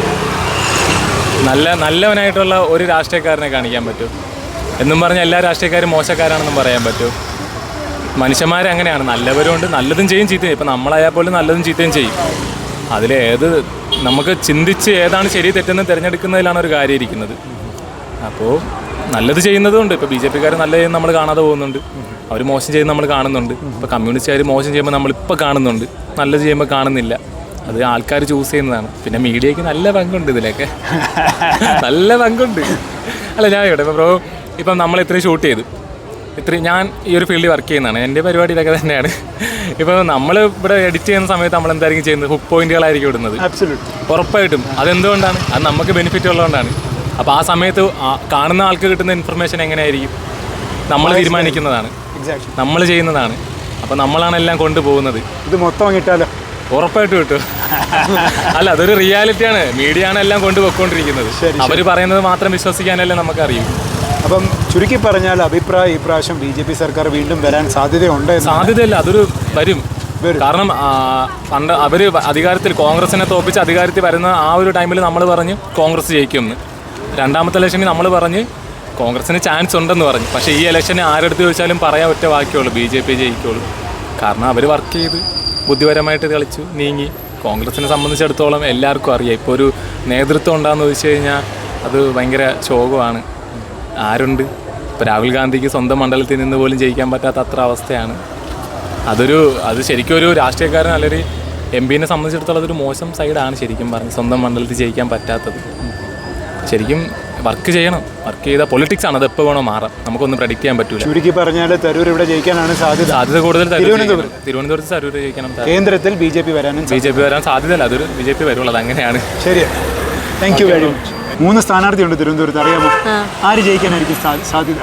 D: നല്ലവനായിട്ടുള്ള ഒരു രാഷ്ട്രീയക്കാരനെ കാണിക്കാൻ പറ്റും എന്നും പറഞ്ഞാൽ എല്ലാ രാഷ്ട്രീയക്കാരും മോശക്കാരാണെന്നും പറയാൻ പറ്റും. മനുഷ്യന്മാരങ്ങനെയാണ്, നല്ലവരുണ്ട്, നല്ലതും ചെയ്യും ചീത്തയും. ഇപ്പം നമ്മളായാൽ പോലും നല്ലതും ചീത്തയും ചെയ്യും. അതിലേത് നമുക്ക് ചിന്തിച്ച് ഏതാണ് ശരി തെറ്റെന്ന് തിരഞ്ഞെടുക്കുന്നതിലാണ് ഒരു കാര്യം ഇരിക്കുന്നത്. അപ്പോൾ നല്ലത് ചെയ്യുന്നതുകൊണ്ട് ഇപ്പോൾ BJP-കാർ നല്ല ചെയ്യുന്നത് നമ്മൾ കാണാതെ പോകുന്നുണ്ട്, അവർ മോശം ചെയ്യുന്നത് നമ്മൾ കാണുന്നുണ്ട്. ഇപ്പോൾ കമ്മ്യൂണിസ്റ്റുകാർ മോശം ചെയ്യുമ്പോൾ നമ്മളിപ്പോൾ കാണുന്നുണ്ട്, നല്ലത് ചെയ്യുമ്പോൾ കാണുന്നില്ല. അത് ആൾക്കാർ ചൂസ് ചെയ്യുന്നതാണ്. പിന്നെ മീഡിയയ്ക്ക് നല്ല പങ്കുണ്ട് ഇതിലൊക്കെ, നല്ല പങ്കുണ്ട്. അല്ല, ഞാൻ ഇവിടെ ഇപ്പം നമ്മൾ ഇത്രയും ഷൂട്ട് ചെയ്തു, ഞാൻ ഈ ഒരു ഫീൽഡിൽ വർക്ക് ചെയ്യുന്നതാണ്, എൻ്റെ പരിപാടി ഇതൊക്കെ തന്നെയാണ്. ഇപ്പോൾ നമ്മൾ ഇവിടെ എഡിറ്റ് ചെയ്യുന്ന സമയത്ത് നമ്മൾ എന്തായിരിക്കും ചെയ്യുന്നത്? ഹുക്ക് പോയിന്റുകളായിരിക്കും ഇടുന്നത്. ഉറപ്പായിട്ടും. അതെന്തുകൊണ്ടാണ്? അത് നമുക്ക് ബെനിഫിറ്റ് ഉള്ളതുകൊണ്ടാണ്. അപ്പോൾ ആ സമയത്ത് കാണുന്ന ആൾക്ക് കിട്ടുന്ന ഇൻഫർമേഷൻ എങ്ങനെയായിരിക്കും? നമ്മൾ തീരുമാനിക്കുന്നതാണ്, നമ്മൾ ചെയ്യുന്നതാണ്. അപ്പോൾ നമ്മളാണ് എല്ലാം കൊണ്ടുപോകുന്നത്.
A: ഇത് മൊത്തം കിട്ടാലോ?
D: ഉറപ്പായിട്ടും കിട്ടും. അല്ല, അതൊരു റിയാലിറ്റിയാണ്. മീഡിയ ആണ് എല്ലാം കൊണ്ടുപോയിക്കൊണ്ടിരിക്കുന്നത്. അവർ പറയുന്നത് മാത്രം വിശ്വസിക്കാനല്ലേ നമുക്കറിയൂ.
A: അപ്പം ചുരുക്കി പറഞ്ഞാൽ അഭിപ്രായം ഇപ്രാവശ്യം BJP സർക്കാർ വീണ്ടും വരാൻ സാധ്യതയുണ്ട്?
D: സാധ്യതയല്ല, അതൊരു വരും. കാരണം പണ്ട് അവർ അധികാരത്തിൽ കോൺഗ്രസിനെ തോപ്പിച്ച് അധികാരത്തിൽ വരുന്ന ആ ഒരു ടൈമിൽ നമ്മൾ പറഞ്ഞ് കോൺഗ്രസ് ജയിക്കുമെന്ന്. രണ്ടാമത്തെ ഇലക്ഷനിൽ നമ്മൾ പറഞ്ഞ് കോൺഗ്രസിന് ചാൻസ് ഉണ്ടെന്ന് പറഞ്ഞു. പക്ഷേ ഈ ഇലക്ഷന് ആരെടുത്ത് ചോദിച്ചാലും പറയാൻ ഒറ്റ വാക്കിയുള്ളൂ, BJP ജയിക്കുള്ളൂ. കാരണം അവർ വർക്ക് ചെയ്ത് ബുദ്ധിപരമായിട്ട് കളിച്ചു നീങ്ങി. കോൺഗ്രസിനെ സംബന്ധിച്ചിടത്തോളം എല്ലാവർക്കും അറിയാം, ഇപ്പോൾ ഒരു നേതൃത്വം ഉണ്ടാകുന്ന ചോദിച്ചു കഴിഞ്ഞാൽ അത് ഭയങ്കര ശോകമാണ്. ആരുണ്ട്? ഇപ്പോൾ രാഹുൽ ഗാന്ധിക്ക് സ്വന്തം മണ്ഡലത്തിൽ നിന്ന് പോലും ജയിക്കാൻ പറ്റാത്ത അത്ര അവസ്ഥയാണ്. അത് ശരിക്കും ഒരു രാഷ്ട്രീയക്കാരൻ അല്ലെങ്കിൽ MP-നെ സംബന്ധിച്ചിടത്തോളം അതൊരു മോശം സൈഡാണ് ശരിക്കും പറഞ്ഞ്, സ്വന്തം മണ്ഡലത്തിൽ ജയിക്കാൻ പറ്റാത്തത്. ശരിക്കും വർക്ക് ചെയ്യണം. വർക്ക് ചെയ്താൽ പൊളിറ്റിക്സ് ആണ്, അത് എപ്പോൾ വേണോ മാറാം, നമുക്കൊന്നും പ്രഡിക്റ്റ് ചെയ്യാൻ പറ്റില്ല.
A: ചുരുക്കി പറഞ്ഞാൽ തരൂർ ഇവിടെ ജയിക്കാനാണ്
D: സാധ്യത കൂടുതൽ
A: തിരുവനന്തപുരത്ത്
D: തരൂർ ജയിക്കണം.
A: കേന്ദ്രത്തിൽ BJP വരാനും
D: വരാൻ സാധ്യതയല്ല, അതൊരു BJP വരുള്ളൂ, അത് അങ്ങനെയാണ്.
A: ശരി, താങ്ക് യു വെരി മച്ച്. 3 സ്ഥാനാർത്ഥിയുണ്ട് തിരുവനന്തപുരത്ത്, അറിയാമോ? ആര് ജയിക്കാനായിരിക്കും സാധ്യത?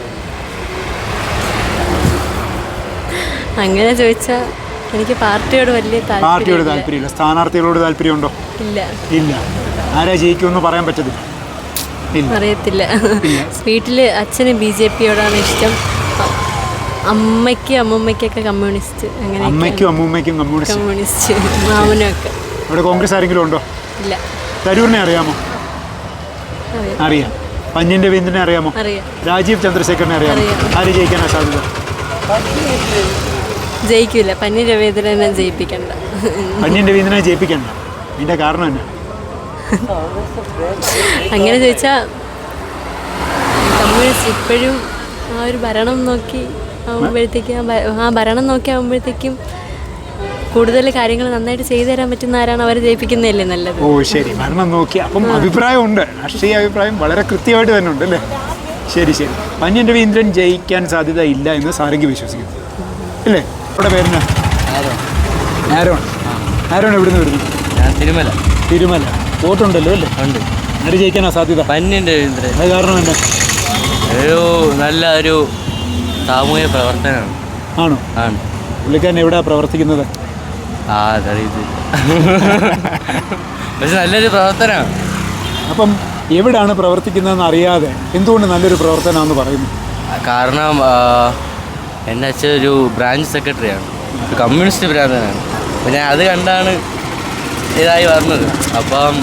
I: അങ്ങനെ ചോദിച്ചാൽ എനിക്ക് പാർട്ടിയോട് വലിയ
A: താല്പര്യമില്ല. സ്ഥാനാർത്ഥികളോട് താല്പര്യമുണ്ടോ? ഇല്ല. ആരാ ജയിക്കുമെന്ന് പറയാൻ പറ്റത്തില്ല.
I: അറിയത്തില്ല. വീട്ടില് അച്ഛന് BJPയോടാണ് ഇഷ്ടം, അമ്മയ്ക്കൊക്കെ കമ്മ്യൂണിസ്റ്റ്. അങ്ങനെ
A: അമ്മയ്ക്കും കമ്മ്യൂണിസ്റ്റ്,
I: മാമനും ഒക്കെ.
A: അവിടെ കോൺഗ്രസ് ആരെങ്കിലും ഉണ്ടോ?
I: ഇല്ല.
A: തരൂരിനെ അറിയാമോ? അറിയാം. പന്ന്യൻ രവീന്ദ്രനെ അറിയാമോ? രാജീവ് ചന്ദ്രശേഖരനെ അറിയാമോ? ആര് ജയിക്കാനാ സാധ്യത?
I: ജയിക്കില്ല. പന്ന്യൻ രവീന്ദ്രനെ ജയിപ്പിക്കണ്ട.
A: പന്ന്യൻ രവീന്ദ്രനെ ജയിപ്പിക്കണ്ട. ഇതിന്റെ കാരണം എന്നാ?
I: അങ്ങനെ ചോദിച്ചാൽ കമ്മ്യൂണിസ്റ്റ് ഇപ്പോഴും ആ ഒരു ഭരണം നോക്കി ആകുമ്പോഴത്തേക്കും കൂടുതൽ കാര്യങ്ങൾ നന്നായിട്ട് ചെയ്തു തരാൻ പറ്റുന്ന ആരാണ് അവരെ ജയിപ്പിക്കുന്നതല്ലേ നല്ലത്.
A: ഓ ശരി, ഭരണം നോക്കി. അപ്പം അഭിപ്രായമുണ്ട്, രാഷ്ട്രീയ അഭിപ്രായം വളരെ കൃത്യമായിട്ട് തന്നെ ഉണ്ട് അല്ലേ? ശരി. പന്ന്യൻ രവീന്ദ്രൻ ജയിക്കാൻ സാധ്യത ഇല്ല എന്ന് സാരംഗി വിശ്വസിക്കുന്നു അല്ലേ? അവിടെ പേരെന്നാ? ആരോൺ എവിടുന്ന് വരുന്നു? തിരുമല. വോട്ടുണ്ടല്ലോ അല്ലേ?
C: ഉണ്ട്.
A: ആര് ജയിക്കാനാ സാധ്യത?
C: പന്ന്യൻ രവീന്ദ്രൻ.
A: അത് കാരണം എന്നാ?
C: നല്ല ഒരു സാമൂഹ്യ പ്രവർത്തനമാണ്.
A: ആണോ?
C: ആണ്.
A: പുള്ളിക്കാരൻ എവിടെയാണ് പ്രവർത്തിക്കുന്നത്?
C: അതറിയത്തില്ല, പക്ഷെ നല്ലൊരു പ്രവർത്തനമാണ്.
A: അപ്പം എവിടെയാണ് പ്രവർത്തിക്കുന്നതെന്ന് അറിയാതെ എന്തുകൊണ്ട് നല്ലൊരു പ്രവർത്തനമാണെന്ന് പറയുന്നു?
C: കാരണം എൻ്റെ അച്ഛൻ ഒരു ബ്രാഞ്ച് സെക്രട്ടറിയാണ്, ഒരു കമ്മ്യൂണിസ്റ്റ് ഭ്രാന്തനാണ്. അപ്പം ഞാൻ അത് കണ്ടാണ് ഇതായി വരുന്നത്. അപ്പം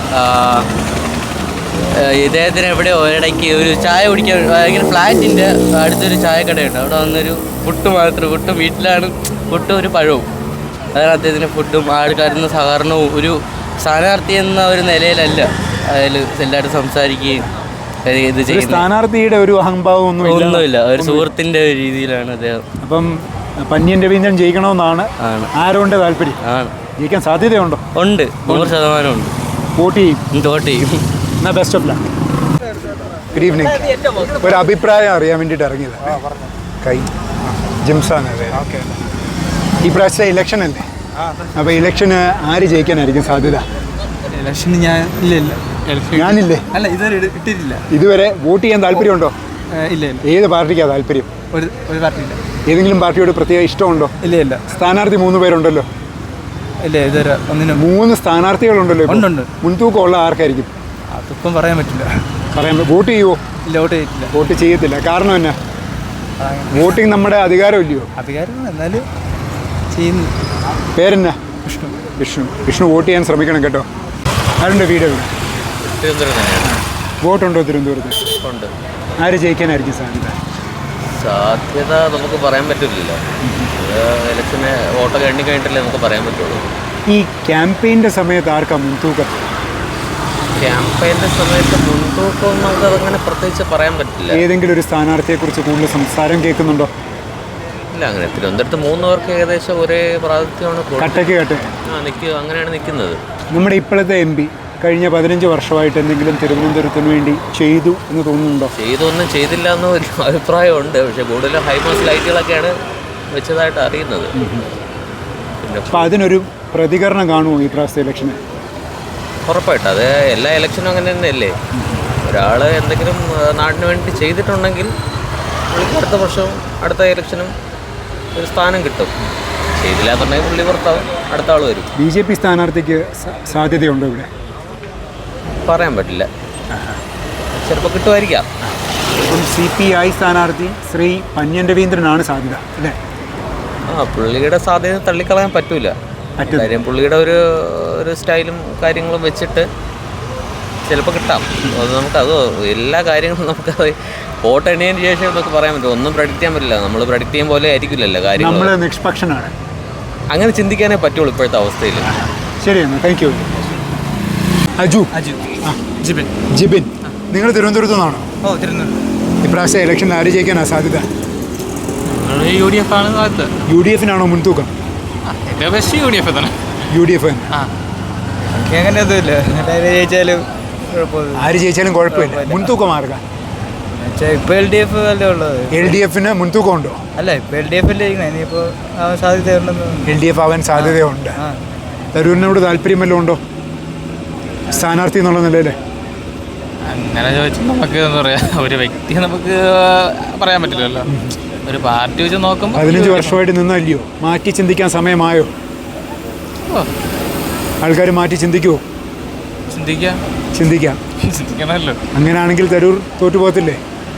C: ഇദ്ദേഹത്തിന് എവിടെയോ ഒരിടയ്ക്ക് ഒരു ചായ കുടിക്കാൻ ഇങ്ങനെ ഫ്ലാറ്റിൻ്റെ അടുത്തൊരു ചായക്കടയുണ്ട്. അവിടെ വന്നൊരു പുട്ടും വീട്ടിലാണ് പുട്ടും ഒരു പഴവും. അതാണ് അദ്ദേഹത്തിന് ഫുഡും ആൾക്കാരുന്ന സഹകരണവും. ഒരു സ്ഥാനാർത്ഥി എന്ന ഒരു നിലയിലല്ല അതിൽ എല്ലാവരും സംസാരിക്കുകയും ഇത് ചെയ്യുന്നത്.
A: സ്ഥാനാർത്ഥിയുടെ ഒരു അഹംഭാവം
C: ഒന്നുമില്ല, ഒരു സുഹൃത്തിൻ്റെ ഒരു രീതിയിലാണ് അദ്ദേഹം.
A: അപ്പം പന്ന്യൻ രവീന്ദ്രൻ ജയിക്കണമെന്നാണ് ആരോണ്ട് താല്പര്യം?
C: ആണ്.
A: ജയിക്കാൻ സാധ്യതയുണ്ടോ?
C: ഉണ്ട്, 100% ഉണ്ട്.
A: വോട്ട് ചെയ്യും. എന്നാ best of luck. Good evening. ഒരു അഭിപ്രായം അറിയാൻ വേണ്ടിയിട്ട് ഇറങ്ങിയത്. ജിംസാണ്. ഈ പ്രാവശ്യത്തെ ഇലക്ഷൻ അല്ലേ? അപ്പോൾ ഇലക്ഷന് ആര് ജയിക്കാനായിരിക്കും സാധ്യത?
B: ഇലക്ഷന് ഞാനില്ലേ?
E: അല്ല, ഇതുവരെ ഇട്ടിട്ടില്ല.
A: ഇതുവരെ വോട്ട് ചെയ്യാൻ താല്പര്യമുണ്ടോ?
E: ഇല്ല.
A: ഏത് പാർട്ടിക്കാണ് താല്പര്യം?
E: ഒരു പാർട്ടിയില്ല.
A: ഏതെങ്കിലും പാർട്ടിയോട് പ്രത്യേക ഇഷ്ടമുണ്ടോ?
E: ഇല്ല.
A: സ്ഥാനാർത്ഥി 3 പേരുണ്ടല്ലോ.
E: ഇല്ല, ഇതുവരെ ഒന്നിനും.
A: 3 സ്ഥാനാർത്ഥികളുണ്ടല്ലോ.
E: ഉണ്ട്.
A: മുൻതൂക്കമുള്ള ആർക്കായിരിക്കും?
E: അതിപ്പം പറയാൻ പറ്റില്ല.
A: വോട്ട് ചെയ്യുമോ?
E: ഇല്ല,
A: വോട്ട് ചെയ്യത്തില്ല. കാരണം എന്നാ? വോട്ടിങ് നമ്മുടെ അധികാരമില്ലയോ?
E: അധികാരം എന്നാലും ചെയ്യുന്നു.
A: പേരെന്നാ? വിഷ്ണു. വോട്ട് ചെയ്യാൻ ശ്രമിക്കണം കേട്ടോ. ആരുണ്ട് വീട് എവിടെ? വോട്ടുണ്ടോ തിരുവനന്തപുരത്ത്?
C: ഉണ്ട്.
A: ആര് ജയിക്കാനായിരിക്കും
C: സാധ്യത നമുക്ക് പറയാൻ പറ്റില്ലല്ലോ. ഇലക്ഷന് വോട്ടൊക്കെ എണ്ണി കഴിഞ്ഞിട്ടല്ലേ നമുക്ക് പറയാൻ പറ്റുള്ളൂ.
A: ഈ ക്യാമ്പയിൻ്റെ സമയത്ത് ആർക്കാ മുൻതൂക്കം?
C: ക്യാമ്പയിൻ്റെ സമയത്ത് മുൻതൂക്കം നമുക്ക് അതങ്ങനെ പ്രത്യേകിച്ച് പറയാൻ പറ്റില്ല.
A: ഏതെങ്കിലും ഒരു സ്ഥാനാർത്ഥിയെക്കുറിച്ച് കൂടുതൽ സംസാരം കേൾക്കുന്നുണ്ടോ?
C: ഇല്ല, അങ്ങനെ തിരുവനന്തപുരത്ത് 3 പേർക്ക് ഏകദേശം ഒരേ പ്രാതിനിധ്യമാണ്.
A: കട്ടക്ക്
C: അങ്ങനെയാണ് നിൽക്കുന്നത്.
A: നമ്മുടെ ഇപ്പോഴത്തെ MP കഴിഞ്ഞ 15 വർഷമായിട്ട് എന്തെങ്കിലും തിരുവനന്തപുരത്തിന് വേണ്ടി ചെയ്തു എന്ന് തോന്നുന്നുണ്ടോ?
C: ഒന്നും ചെയ്തില്ല എന്ന് ഒരു അഭിപ്രായമുണ്ട്. പക്ഷേ കൂടുതലും ഹൈമാസ് ലൈറ്റുകളൊക്കെയാണ് വെച്ചതായിട്ട് അറിയുന്നത്.
A: അപ്പോൾ അതിനൊരു പ്രതികരണം കാണുമോ ഈ പ്രാവശ്യത്തെ ഇലക്ഷന്?
C: ഉറപ്പായിട്ടും. അത് എല്ലാ ഇലക്ഷനും അങ്ങനെ തന്നെയല്ലേ. ഒരാൾ എന്തെങ്കിലും നാടിന് വേണ്ടി ചെയ്തിട്ടുണ്ടെങ്കിൽ പുള്ളിക്ക് അടുത്ത വർഷവും അടുത്ത ഇലക്ഷനും ഒരു സ്ഥാനം കിട്ടും. ചെയ്തില്ല എന്നുണ്ടെങ്കിൽ പുള്ളി പുറത്താവും, അടുത്ത ആൾ വരും.
A: BJP സ്ഥാനാർത്ഥിക്ക് സാധ്യതയുണ്ടോ ഇവിടെ?
C: പറയാൻ പറ്റില്ല, ചിലപ്പോൾ കിട്ടുമായിരിക്കാം.
A: ഇപ്പം CPI സ്ഥാനാർത്ഥി ശ്രീ പന്ന്യൻ രവീന്ദ്രനാണ് സാധ്യത അല്ലേ?
C: പുള്ളിയുടെ സാധ്യത തള്ളിക്കളയാൻ പറ്റൂല. കാര്യം പുള്ളിയുടെ ഒരു സ്റ്റൈലും കാര്യങ്ങളും വെച്ചിട്ട് ചിലപ്പോൾ കിട്ടാം. അത് നമുക്കത് എല്ലാ കാര്യങ്ങളും നമുക്കത് വോട്ട് എണ്ണിയതിന് ശേഷം നമുക്ക് പറയാൻ പറ്റും. ഒന്നും പ്രഡിക്റ്റ് ചെയ്യാൻ പറ്റില്ല. നമ്മൾ പ്രഡിക്റ്റ് ചെയ്യാൻ പോലെ ആയിരിക്കില്ലല്ലോ കാര്യങ്ങൾ.
A: നമ്മൾ നിഷ്പക്ഷനാണ്, അങ്ങനെ
C: ചിന്തിക്കാനേ പറ്റുള്ളൂ ഇപ്പോഴത്തെ അവസ്ഥയിൽ.
A: ശരിയെന്നാ, താങ്ക് യു. ജിബിൻ, നിങ്ങൾ തിരുവനന്തപുരത്ത് നിന്നാണോ? ഇപ്രാവശ്യം ഇലക്ഷനിൽ ആര് ജയിക്കാനാ സാധ്യത?
E: UDF ആണ് സാധ്യത.
A: UDF-നാണോ മുൻതൂക്കം?
E: UDF തന്നെ.
A: UDF
E: അങ്ങനെ ഒന്നുമില്ല, ജയിച്ചാലും
A: ആര് ജയിച്ചാലും കുഴപ്പമില്ല. മുൻതൂക്കം ആർക്കാ?
E: ഇപ്പോൾ LDF അല്ലേ ഉള്ളത്.
A: LDF മുൻതൂക്കം ഉണ്ടോ?
E: അല്ല ഇപ്പോൾ LDF അല്ലേ ഇനിയിപ്പോൾ സാധ്യതയുണ്ടെന്ന്.
A: LDF ആവാൻ സാധ്യതയുണ്ട്. തരൂരിനോട് താല്പര്യം വല്ലതും ഉണ്ടോ സ്ഥാനാർത്ഥി എന്നുള്ള നിലയിൽ?
J: അങ്ങനെ ചോദിച്ചാൽ നമുക്ക് എന്താ പറയുക, ഒരു വ്യക്തിയെ നമുക്ക് പറയാൻ പറ്റില്ലല്ലോ. ഒരു പാർട്ടി വെച്ച് നോക്കുമ്പോൾ
A: 15 വർഷമായിട്ട് നിന്നല്ലയോ? മാറ്റി ചിന്തിക്കാൻ സമയമായോ? ആൾക്കാർ മാറ്റി ചിന്തിക്കുമോ?
J: ചിന്തിക്കണമല്ലോ.
A: അങ്ങനെയാണെങ്കിൽ തരൂർ തോറ്റുപോകത്തില്ലേ?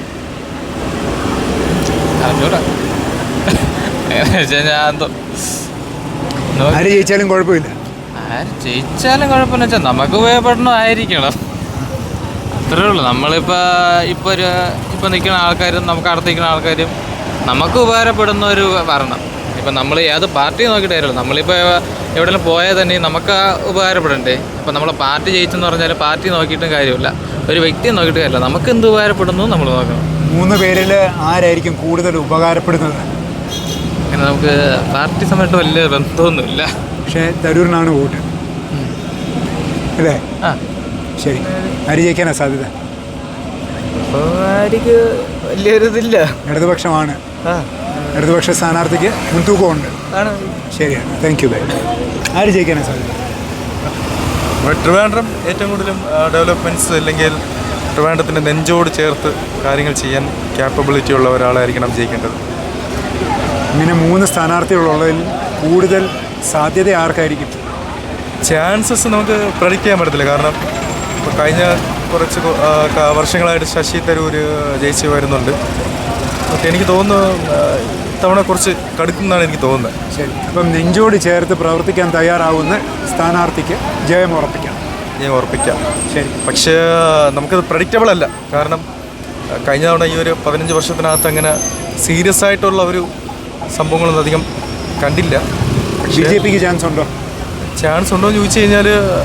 A: ആര് ജയിച്ചാലും കുഴപ്പമില്ല.
J: ആര് ജയിച്ചാലും കുഴപ്പമെന്ന് വെച്ചാൽ നമുക്ക് ഉപയോഗപ്പെടണമായിരിക്കണം, അത്രേ ഉള്ളൂ. ഇപ്പോൾ നിൽക്കുന്ന ആൾക്കാരും നമുക്ക് അടുത്ത് നിൽക്കുന്ന ആൾക്കാരും നമുക്ക് ഉപകാരപ്പെടുന്ന ഒരു ഭരണം. ഇപ്പം നമ്മൾ ഏത് പാർട്ടി നോക്കിയിട്ട് കാര്യമില്ല. നമ്മളിപ്പോൾ എവിടെയെങ്കിലും പോയാൽ തന്നെ നമുക്ക് ഉപകാരപ്പെടണ്ടേ. അപ്പം നമ്മളെ പാർട്ടി ജയിച്ചെന്ന് പറഞ്ഞാൽ പാർട്ടി നോക്കിയിട്ടും കാര്യമില്ല, ഒരു വ്യക്തിയെ നോക്കിയിട്ട് കാര്യമില്ല. നമുക്ക് എന്ത് ഉപകാരപ്പെടുന്നു നമ്മൾ നോക്കണം.
A: 3 പേരിൽ ആരായിരിക്കും കൂടുതൽ ഉപകാരപ്പെടുന്നത്?
J: അങ്ങനെ നമുക്ക് പാർട്ടി സമയത്ത് വലിയ ബന്ധമൊന്നുമില്ല.
A: പക്ഷേ തരൂരിനാണ് വോട്ട് അല്ലേ? ശരി. ആര് ജയിക്കാനാണ് സാധ്യത?
E: ഇപ്പോൾ ആർക്ക് വലിയൊരു ഇതില്ല.
A: ഇടതുപക്ഷമാണ്. ഇടതുപക്ഷ സ്ഥാനാർത്ഥിക്ക് മുൻതൂക്കമുണ്ട്. ശരിയാണ്. Thank you. ആര് ജയിക്കാനാണ് സാധ്യത?
K: ട്രിവാൻഡ്രം ഏറ്റവും കൂടുതലും ഡെവലപ്മെൻറ്റ്സ് അല്ലെങ്കിൽ ട്രിവാൻഡ്രത്തിൻ്റെ നെഞ്ചോട് ചേർത്ത് കാര്യങ്ങൾ ചെയ്യാൻ ക്യാപ്പബിലിറ്റി ഉള്ള ഒരാളായിരിക്കണം ജയിക്കേണ്ടത്.
A: ഇങ്ങനെ 3 സ്ഥാനാർത്ഥികളുള്ളതിൽ കൂടുതൽ സാധ്യത ആർക്കായിരിക്കും?
K: ചാൻസസ് നമുക്ക് പ്രഡിക്റ്റ് ചെയ്യാൻ പറ്റത്തില്ല. കാരണം ഇപ്പോൾ കഴിഞ്ഞ കുറച്ച് വർഷങ്ങളായിട്ട് ശശി തരൂർ ജയിച്ച് വരുന്നുണ്ട്. ഓക്കെ, എനിക്ക് തോന്നുന്നു ഇത്തവണ കുറച്ച് കടുക്കുമെന്നാണ് എനിക്ക് തോന്നുന്നത്.
A: ശരി. അപ്പം നെഞ്ചോട് ചേർത്ത് പ്രവർത്തിക്കാൻ തയ്യാറാവുന്ന സ്ഥാനാർത്ഥിക്ക് ജയം ഉറപ്പിക്കാം.
K: ശരി. പക്ഷേ നമുക്കത് പ്രഡിക്റ്റബിൾ അല്ല. കാരണം കഴിഞ്ഞ തവണ ഈ ഒരു 15 വർഷത്തിനകത്ത് അങ്ങനെ സീരിയസ് ആയിട്ടുള്ള ഒരു സംഭവങ്ങളൊന്നും അധികം കണ്ടില്ല.
A: BJPക്ക് ചാൻസ് ഉണ്ടോ?
K: ചാൻസ് ഉണ്ടോ എന്ന് ചോദിച്ചു കഴിഞ്ഞാൽ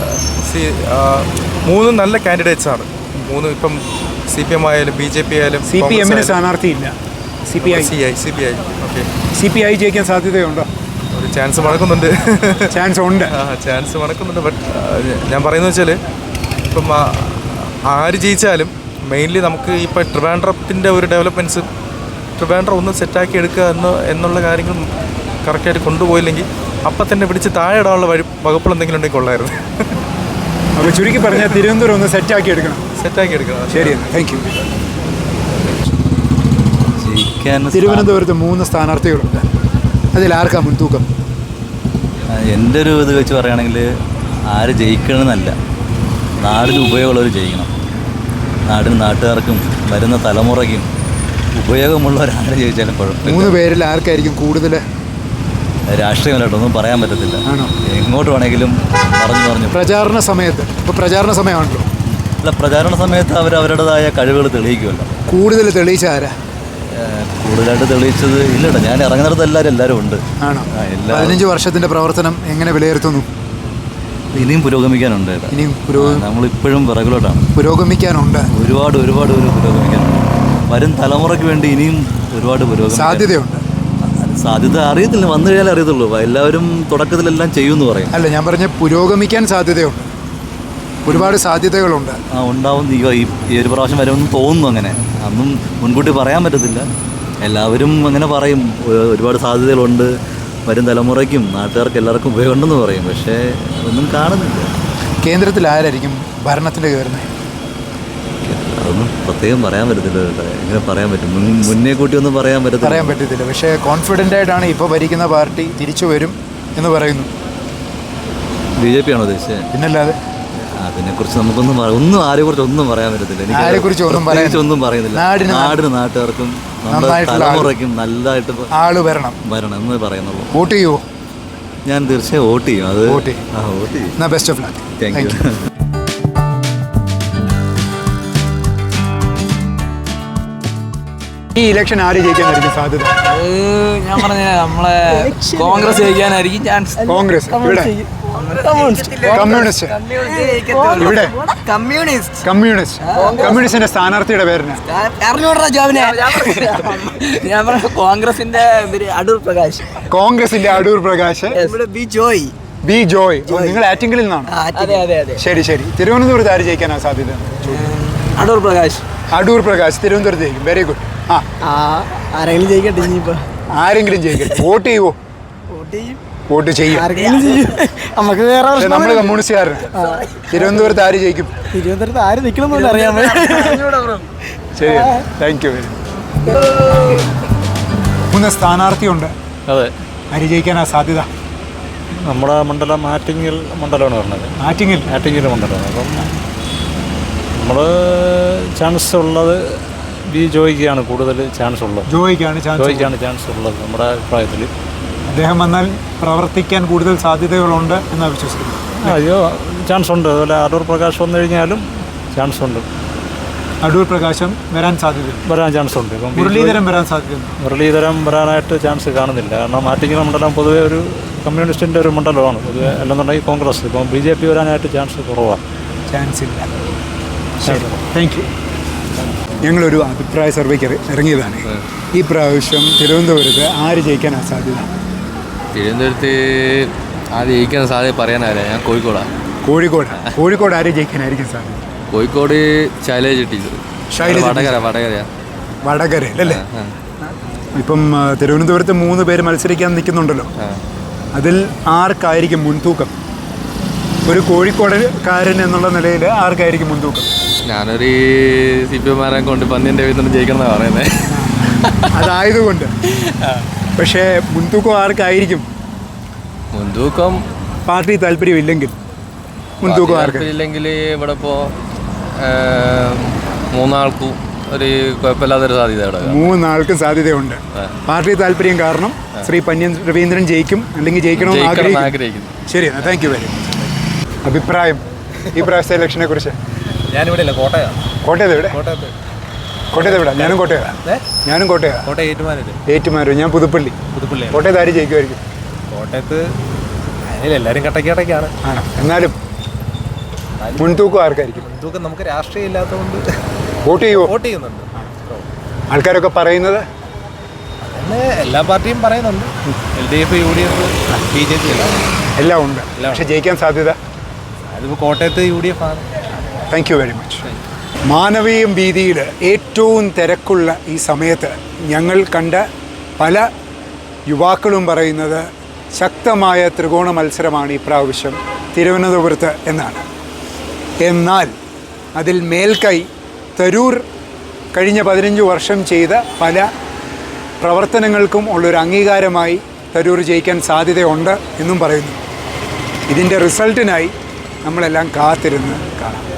K: 3 നല്ല കാൻഡിഡേറ്റ്സ് ആണ്. 3 ഇപ്പം CPM ആയാലും BJP ആയാലും.
A: CPM സ്ഥാനാർത്ഥിയില്ല. CPI.
K: ഓക്കെ.
A: CPI ജയിക്കാൻ സാധ്യതയുണ്ടോ?
K: ഒരു ചാൻസ് മണക്കുന്നുണ്ട്.
A: ചാൻസ് ഉണ്ട്.
K: ചാൻസ് മണക്കുന്നുണ്ട്. ബട്ട് ഞാൻ പറയുന്നത് വെച്ചാൽ ഇപ്പം ആര് ജയിച്ചാലും മെയിൻലി നമുക്ക് ഇപ്പോൾ ട്രിവാൻഡ്രത്തിൻ്റെ ഒരു ഡെവലപ്മെൻറ്റ്സ് ട്രിവാൻഡ്രം ഒന്ന് സെറ്റാക്കി എടുക്കുക എന്നുള്ള കാര്യങ്ങൾ കറക്റ്റായിട്ട് കൊണ്ടുപോയില്ലെങ്കിൽ അപ്പം തന്നെ പിടിച്ച് താഴെ ഇടാനുള്ള വകുപ്പുകൾ എന്തെങ്കിലും ഉണ്ടെങ്കിൽ കൊള്ളായിരുന്നു.
A: അപ്പോൾ ചുരുക്കി പറഞ്ഞാൽ തിരുവനന്തപുരം ഒന്ന് സെറ്റാക്കി എടുക്കണം. ശരി, താങ്ക് യു. തിരുവനന്തപുരത്ത് 3 സ്ഥാനാർത്ഥികളുണ്ട്. അതിൽ ആർക്കാ മുൻതൂക്കം?
L: എൻ്റെ ഒരു ഇത് വെച്ച് പറയുകയാണെങ്കിൽ ആര് ജയിക്കണമെന്നല്ല, നാടിന് ഉപയോഗമുള്ളവർ ജയിക്കണം. നാടിനും നാട്ടുകാർക്കും വരുന്ന തലമുറയ്ക്കും ഉപയോഗമുള്ളവരാര് ജയിച്ചാലും കുഴപ്പമില്ല.
A: 3 പേരിൽ ആർക്കായിരിക്കും കൂടുതൽ?
L: രാഷ്ട്രീയമായിട്ടൊന്നും പറയാൻ പറ്റത്തില്ല. എങ്ങോട്ട് വേണമെങ്കിലും പറഞ്ഞു
A: പ്രചാരണ സമയത്ത്, ഇപ്പോൾ പ്രചാരണ സമയമാണല്ലോ.
L: അല്ല, പ്രചാരണ സമയത്ത് അവരവരുടേതായ കഴിവുകൾ തെളിയിക്കുമല്ലോ.
A: കൂടുതൽ തെളിയിച്ച ആരാ?
L: കൂടുതലായിട്ട് തെളിയിച്ചത് ഇല്ലട്ടോ. ഞാൻ ഇറങ്ങുന്നിടത്ത് എല്ലാവരും ഉണ്ട്.
A: ആണോ? 15 വർഷത്തിൻ്റെ പ്രവർത്തനം എങ്ങനെ വിലയിരുത്തുന്നു?
L: ഇനിയും പുരോഗമിക്കാനുണ്ട്. നമ്മളിപ്പോഴും പിറകിലോട്ടാണ്.
A: പുരോഗമിക്കാനുണ്ട്.
L: ഒരുപാട് പുരോഗമിക്കാനുണ്ട്. വരും തലമുറയ്ക്ക് വേണ്ടി ഇനിയും ഒരുപാട്
A: സാധ്യതയുണ്ട്.
L: സാധ്യത അറിയത്തില്ല, വന്നു കഴിഞ്ഞാൽ അറിയത്തുള്ളൂ. എല്ലാവരും തുടക്കത്തിലെല്ലാം ചെയ്യുമെന്ന് പറയും.
A: അല്ല, ഞാൻ പറഞ്ഞ പുരോഗമിക്കാൻ സാധ്യതയുണ്ട്. ഒരുപാട് സാധ്യതകളുണ്ട്.
L: ഉണ്ടാവും. ഈ ഒരു പ്രാവശ്യം വരുമെന്ന് തോന്നുന്നു. അങ്ങനെ അന്നും മുൻകൂട്ടി പറയാൻ പറ്റത്തില്ല. എല്ലാവരും അങ്ങനെ പറയും, ഒരുപാട് സാധ്യതകളുണ്ട്, വരും തലമുറയ്ക്കും നാട്ടുകാർക്ക് എല്ലാവർക്കും ഉപയോഗമുണ്ടെന്ന് പറയും. പക്ഷേ ഒന്നും കാണുന്നില്ല.
A: കേന്ദ്രത്തിൽ ആരായിരിക്കും ഭരണത്തിൽ കയറുന്നത്?
L: അതൊന്നും പ്രത്യേകം പറയാൻ പറ്റത്തില്ല. എങ്ങനെ പറയാൻ പറ്റും? മുന്നേ കൂട്ടി ഒന്നും പറയാൻ പറ്റത്തില്ല.
A: പക്ഷേ കോൺഫിഡൻ്റ് ആയിട്ടാണ് ഇപ്പോൾ ഭരിക്കുന്ന പാർട്ടി തിരിച്ചു വരും എന്ന് പറയുന്നു.
L: BJP ആണോ ഉദ്ദേശിച്ചത്?
A: പിന്നല്ലാതെ.
L: അതിനെക്കുറിച്ച് നമുക്കൊന്നും ആരെക്കുറിച്ച് ഒന്നും പറയാൻ പറ്റത്തില്ല. ഒന്നും പറയുന്നില്ല. നാടിനും നാട്ടുകാർക്കും തലമുറയ്ക്കും നല്ലതായിട്ട്
A: ആള് വരണം
L: എന്ന് പറയുന്നുള്ളൂ.
A: വോട്ട് ചെയ്യുമോ?
L: ഞാൻ തീർച്ചയായും വോട്ട് ചെയ്യും. അത് വോട്ട്
A: ചെയ്യും. Best of luck.
L: Thank you.
A: ഈ ഇലക്ഷൻ ആര് ജയിക്കാനായിരിക്കും സാധ്യത?
G: ഞാൻ പറഞ്ഞ നമ്മളെ കോൺഗ്രസ് ജയിക്കാനായിരിക്കും ചാൻസ്.
A: കോൺഗ്രസ് ഇവിടെ? കമ്മ്യൂണിസ്റ്റിന്റെ സ്ഥാനാർത്ഥിയുടെ പേരിന്
G: ഞാൻ പറഞ്ഞ കോൺഗ്രസിന്റെ അടൂർ പ്രകാശ്.
A: കോൺഗ്രസിന്റെ അടൂർ പ്രകാശ്. ബി ജോയ്. നിങ്ങൾ ആറ്റിങ്ങലിൽ നിന്നാണ്?
F: അതെ അതെ അതെ.
A: ശരി ശരി. തിരുവനന്തപുരത്ത് ആര് ജയിക്കാനാണ് സാധ്യത?
F: അടൂർ പ്രകാശ്.
A: അടൂർ പ്രകാശ് തിരുവനന്തപുരത്ത് ജയിക്കും. Very good.
F: ആരെങ്കിലും ജയിക്കട്ടെ ഇനിയിപ്പോൾ.
A: ആരെങ്കിലും ജയിക്കട്ടെ. വോട്ട് ചെയ്യുമോ? വോട്ട് ചെയ്യും.
F: നമുക്ക് വേറെ
A: നമ്മൾ കമ്മ്യൂണിസ്റ്റുകാരന്. തിരുവനന്തപുരത്ത് ആര് ജയിക്കും?
F: തിരുവനന്തപുരത്ത് ആര് നിൽക്കണമെന്ന് അറിയാമോ?
A: ശരി, താങ്ക് യു വെരി മച്ച്. 3 സ്ഥാനാർത്ഥിയുണ്ട്.
M: അതെ.
A: ആര് ജയിക്കാനാ സാധ്യത?
M: നമ്മുടെ മണ്ഡലം ആറ്റിങ്ങൽ മണ്ഡലമാണ് പറഞ്ഞത്. ആറ്റിങ്ങൽ മണ്ഡലമാണ്. അപ്പം നമ്മൾ ചാൻസ് ഉള്ളത് ബി ജോയിക്കാണ് കൂടുതൽ ചാൻസ് ഉള്ളത്.
A: ജോയിക്കാണ്
M: ചാൻസ് ഉള്ളത് നമ്മുടെ അഭിപ്രായത്തിൽ.
A: അദ്ദേഹം വന്നാൽ പ്രവർത്തിക്കാൻ കൂടുതൽ സാധ്യതകളുണ്ട് എന്നാണ് വിശ്വസിക്കുന്നത്.
M: അയ്യോ, ചാൻസ് ഉണ്ട്. അതുപോലെ അടൂർ പ്രകാശ് വന്നു കഴിഞ്ഞാലും ചാൻസ് ഉണ്ട്.
A: അടൂർ പ്രകാശം വരാൻ ചാൻസ് ഉണ്ട്. ഇപ്പം
M: മുരളീധരം വരാനായിട്ട് ചാൻസ് കാണുന്നില്ല. കാരണം ആറ്റിങ്ങൽ മണ്ഡലം പൊതുവെ ഒരു കമ്മ്യൂണിസ്റ്റിൻ്റെ ഒരു മണ്ഡലമാണ് പൊതുവെ. അല്ലെന്നുണ്ടെങ്കിൽ കോൺഗ്രസ്. ഇപ്പം BJP വരാനായിട്ട് ചാൻസ് കുറവാണ്.
A: ചാൻസ് ഇല്ല. Thank you. ഞങ്ങളൊരു അഭിപ്രായ സർവേക്ക് ഇറങ്ങിയതാണ്. ഈ പ്രാവശ്യം തിരുവനന്തപുരത്ത് ആര് ജയിക്കാനാണ് സാധ്യത?
H: തിരുവനന്തപുരത്ത് ആര് ജയിക്കാൻ സാധ്യത പറയാനല്ല. ഞാൻ
A: കോഴിക്കോട് ആര് ജയിക്കാനായിരിക്കും സാധ്യത?
H: കോഴിക്കോട് ശൈലജ ടീച്ചർ.
A: വടകരയല്ലേ? ഇപ്പം തിരുവനന്തപുരത്ത് 3 പേര് മത്സരിക്കാൻ നിൽക്കുന്നുണ്ടല്ലോ. അതിൽ ആർക്കായിരിക്കും മുൻതൂക്കം? ഒരു കോഴിക്കോടുകാരൻ എന്നുള്ള നിലയിൽ ആർക്കായിരിക്കും മുൻതൂക്കം?
H: ഞാനൊരു CPM കൊണ്ട് പന്നിൻ്റെ വീട്ടിൽ ജയിക്കണം എന്നാണ് പറയുന്നത്.
A: അതായതുകൊണ്ട്. പക്ഷേ മുൻതൂക്കം ആർക്കായിരിക്കും?
H: മുൻതൂക്കം
A: പാർട്ടി താല്പര്യമില്ലെങ്കിൽ മുൻതൂക്കം
H: ഇല്ലെങ്കിൽ ഇവിടെ ഇപ്പോൾ 3 ആൾക്കും ഒരു കുഴപ്പമില്ലാത്തൊരു സാധ്യത ഇവിടെ.
A: 3 ആൾക്കും സാധ്യതയുണ്ട്. പാർട്ടി താല്പര്യം കാരണം ശ്രീ പന്ന്യൻ രവീന്ദ്രൻ ജയിക്കും, അല്ലെങ്കിൽ ജയിക്കണമെന്ന് ആഗ്രഹിക്കുന്നു. ശരി, താങ്ക് യു വെരി മച്ച്. അഭിപ്രായം ഈ പ്രാവശ്യത്തെ ഇലക്ഷനെ കുറിച്ച്?
K: ഞാനിവിടെ ഇല്ല,
A: കോട്ടയത്ത് എവിടെ? കോട്ടയത്ത് എവിടെ? ഞാനും കോട്ടയം. ഏറ്റുമാനൂർ. ഞാൻ പുതുപ്പള്ളി. കോട്ടയത്ത് ആര് ജയിക്കുമായിരിക്കും?
K: കോട്ടയത്ത് എല്ലാവരും കട്ടക്കാണ്.
A: ആണോ? എന്നാലും മുൻതൂക്കം ആർക്കായിരിക്കും?
K: മുൻതൂക്കം നമുക്ക് രാഷ്ട്രീയം ഇല്ലാത്തതുകൊണ്ട്
A: വോട്ട് ചെയ്യുന്നുണ്ട്. ആൾക്കാരൊക്കെ പറയുന്നത്
K: എല്ലാ പാർട്ടിയും പറയുന്നുണ്ട്. LDF, UDF, BJP
A: എല്ലാം ഉണ്ട്. പക്ഷെ ജയിക്കാൻ സാധ്യത?
K: അതിപ്പോൾ കോട്ടയത്ത് UDF ആണ്.
A: Thank you very much. Manaveeyam വീതിയിൽ ഏറ്റവും തിരക്കുള്ള ഈ സമയത്ത് ഞങ്ങൾ കണ്ട പല യുവാക്കളും പറയുന്നത് ശക്തമായ ത്രികോണ മത്സരമാണ് ഈ പ്രാവശ്യം തിരുവനന്തപുരത്ത് എന്നാണ്. എന്നാൽ അതിൽ മേൽക്കൈ തരൂർ കഴിഞ്ഞ 15 വർഷം ചെയ്ത പല പ്രവർത്തനങ്ങൾക്കും ഉള്ളൊരു അംഗീകാരമായി തരൂർ ജയിക്കാൻ സാധ്യതയുണ്ട് എന്നും പറയുന്നു. ഇതിൻ്റെ റിസൾട്ടിനായി നമ്മളെല്ലാം കാത്തിരുന്ന് കാണാം.